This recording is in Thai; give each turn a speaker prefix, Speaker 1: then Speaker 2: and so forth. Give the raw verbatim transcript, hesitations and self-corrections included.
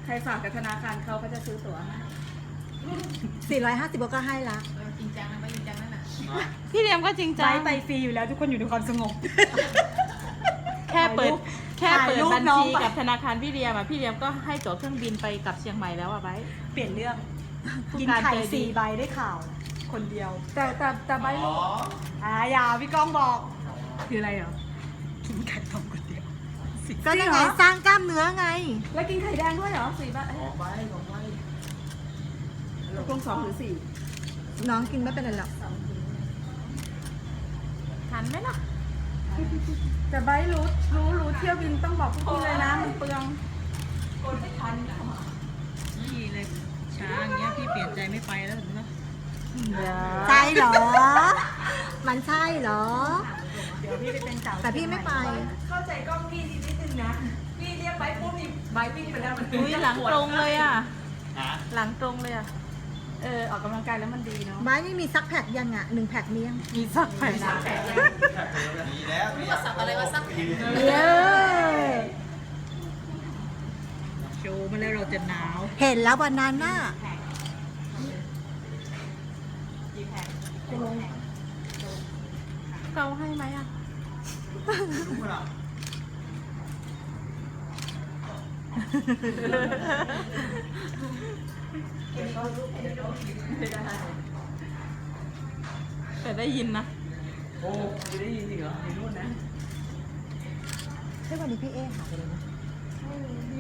Speaker 1: รฝากกับธนาคารเขาเขาจะซื้อตั๋วให้
Speaker 2: สี่ร้อยห้าสิบก็ให้ละ
Speaker 3: จริงจังนะไม่จริงจังนั่นน่ะ
Speaker 4: พี่เรียมก็จริงจัง
Speaker 1: ไปไปฟรีอยู่แล้วทุกคนอยู่ในความสงบ
Speaker 4: แค่เปิดแค่เปิด
Speaker 1: ถ่ายรูป
Speaker 4: บัญ
Speaker 1: น้อง
Speaker 4: ชี
Speaker 1: ไป
Speaker 4: กับธนาคารพี่เรียมอ่ะพี่เรียมก็ให้ตั๋วเครื่องบินไปกับเชียงใหม่แล้วอ่ะไบร์ท
Speaker 1: เปลี่ยนเรื่อง
Speaker 4: ผู้
Speaker 1: กิน
Speaker 4: การ
Speaker 1: ไข่
Speaker 4: ใจดี
Speaker 1: สี่ใบได้ข่าว คนเดียว แต่แต่แต่ใบรู้อ่าอย่าพี่ก้องบอก คืออะไรเหรอ กินไข่ต้มคนเดียว
Speaker 2: ก็ยังไง
Speaker 1: จริเหรอ
Speaker 2: สร้างกล้ามเนื้อไง
Speaker 1: แล้วกินไข่แดงด้วยเหรอสี่ใบ
Speaker 5: ออกไปออกไป
Speaker 1: ตกลงสองหรือสี่
Speaker 2: น้องกินไม่เป็นไรหรอก
Speaker 4: ทันไหมล่ะ
Speaker 1: แต่ใบรู้รู้รู้เที่ยวบินต้องบอกพวกพี่เลยนะมันเปลือง
Speaker 4: นี่เลยช้าอย่างเงี้ยพี่เปลี่ยนใจไม่ไปแล้วเห็นไหม
Speaker 2: ใช่เหรอ มันใช่เหรอ
Speaker 1: เดี๋ยวพี่ไปเป็นสาว
Speaker 2: แต่พี่ไม่ไป
Speaker 1: เข้าใจกล้องพี่นิดนึงนะ พี่เรียกใบปุ๊บนี่ใบวิ่งไปแล้วมัน
Speaker 4: อุ้ยหลังตรงเลยอ่ะ
Speaker 5: ฮะ
Speaker 4: หลังตรงเลยอ่ะ
Speaker 1: เออออกกำลังกายแล้วมันดีเนาะ
Speaker 2: ไม้นี่มีซักแพ็กยังอ่ะหนึ่งแพ็กมียัง
Speaker 4: มีสักแผ่น
Speaker 5: ดีแล้ว
Speaker 3: รู้ว่าสับอะไรว่าสับ
Speaker 2: เย้
Speaker 4: โชว์มาแล้วเราจะหนาว
Speaker 2: เห็นแล้ววันนั้นน่ะ
Speaker 4: เกาให้ไหมอ่ะ
Speaker 5: รู้ไหมล่ะ
Speaker 4: แต่ได้ยินนะ
Speaker 5: โอ้ไม่ได้ยินจริงเหรอในนู่นนะ
Speaker 2: ใช่วันนี้พี่เอ๊หาไปเลยนะ